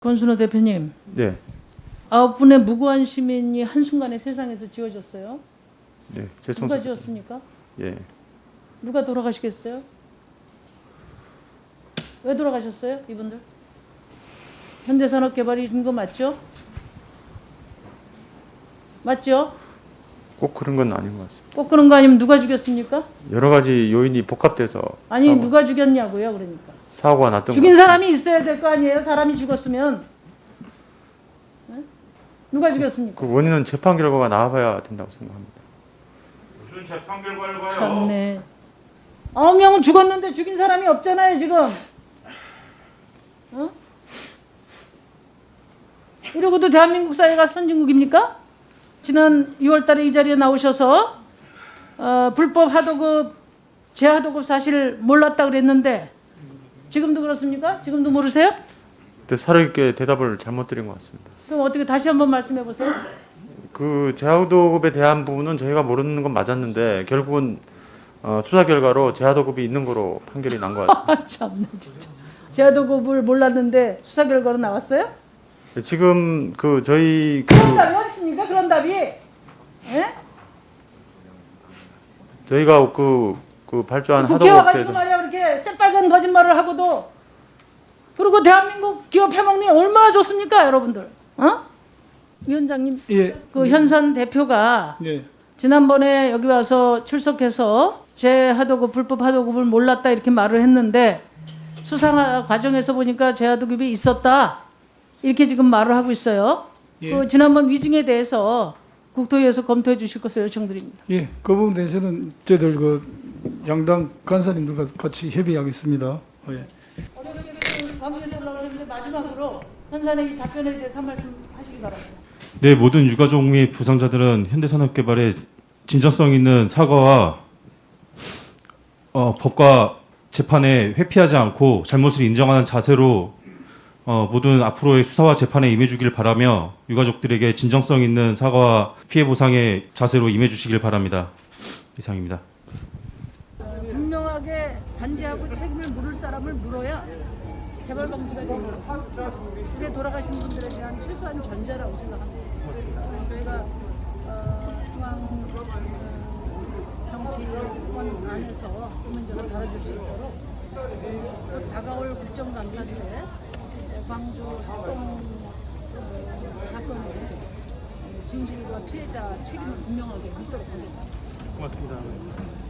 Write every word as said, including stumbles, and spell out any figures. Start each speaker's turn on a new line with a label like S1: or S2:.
S1: 권순호 대표님,
S2: 네,
S1: 아홉 분의 무고한 시민이 한순간에 세상에서 지워졌어요.
S2: 네, 제
S1: 누가
S2: 청소.
S1: 지웠습니까?
S2: 예,
S1: 누가 돌아가시겠어요? 왜 돌아가셨어요, 이분들? 현대산업개발이 준 거 맞죠? 맞죠?
S2: 꼭 그런 건 아닌 것 같습니다.
S1: 꼭 그런 거 아니면 누가 죽였습니까?
S2: 여러 가지 요인이 복합돼서
S1: 아니
S2: 사고,
S1: 누가 죽였냐고요, 그러니까.
S2: 사고가 났던
S1: 죽인
S2: 것 같습니다.
S1: 사람이 있어야 될 거 아니에요, 사람이 죽었으면. 네? 누가 죽였습니까?
S2: 그 원인은 재판 결과가 나와봐야 된다고 생각합니다.
S3: 무슨 재판 결과를 봐요?
S1: 참네. 아홉 명은 죽었는데 죽인 사람이 없잖아요, 지금. 어? 이러고도 대한민국 사회가 선진국입니까? 지난 유월 달에 이 자리에 나오셔서 어, 불법 하도급, 재하도급 사실 몰랐다 그랬는데 지금도 그렇습니까? 지금도 모르세요?
S2: 그때 살아있게 대답을 잘못 드린 것 같습니다.
S1: 그럼 어떻게 다시 한번 말씀해 보세요.
S2: 그 재하도급에 대한 부분은 저희가 모르는 건 맞았는데 결국은 어, 수사 결과로 재하도급이 있는 거로 판결이 난 것 같습니다.
S1: 아, 참네 진짜. 재하도급을 몰랐는데 수사 결과로 나왔어요?
S2: 지금 그 저희 그
S1: 그런 답이 어디 있습니까? 그런 답이? 예?
S2: 저희가 그, 그 발주한
S1: 국회 와가지고
S2: 하도급에서
S1: 말이야 그렇게 새빨간 거짓말을 하고도 그리고 대한민국 기업 해먹니 얼마나 좋습니까, 여러분들? 어? 위원장님,
S4: 예,
S1: 그 현산 대표가
S4: 예,
S1: 지난번에 여기 와서 출석해서 재하도급 불법 하도급을 몰랐다 이렇게 말을 했는데 수사 과정에서 보니까 재하도급이 있었다 이렇게 지금 말을 하고 있어요.
S4: 예.
S1: 그 지난번 위증에 대해서 국토위에서 검토해 주실 것을 요청드립니다.
S4: 예. 그 부분에 대해서는 저희들 그 양당 간사님들과 같이 협의하겠습니다. 예.
S1: 관계에서 올라가는데 마지막으로 현산의 답변에 대해서 한 말씀 하시기 바랍니다.
S3: 네, 모든 유가족 및 부상자들은 현대산업개발의 진정성 있는 사과와 어, 법과 재판에 회피하지 않고 잘못을 인정하는 자세로 어, 모든 앞으로의 수사와 재판에 임해주길 바라며 유가족들에게 진정성 있는 사과와 피해 보상의 자세로 임해주시길 바랍니다. 이상입니다.
S1: 분명하게 단죄하고 책임을 물을 사람을 물어야 재발 방지가 됩니다. 그게 돌아가신 분들에 대한 최소한 전제라고 생각합니다. 저희가 어, 중앙 어, 정치권 안에서 이 문제를 다뤄줄 수 있도록 또 다가올 국정감사 때 광주 합동 어, 사건의 진실과 피해자 책임을 분명하게 묻도록 하겠습니다.
S2: 고맙습니다.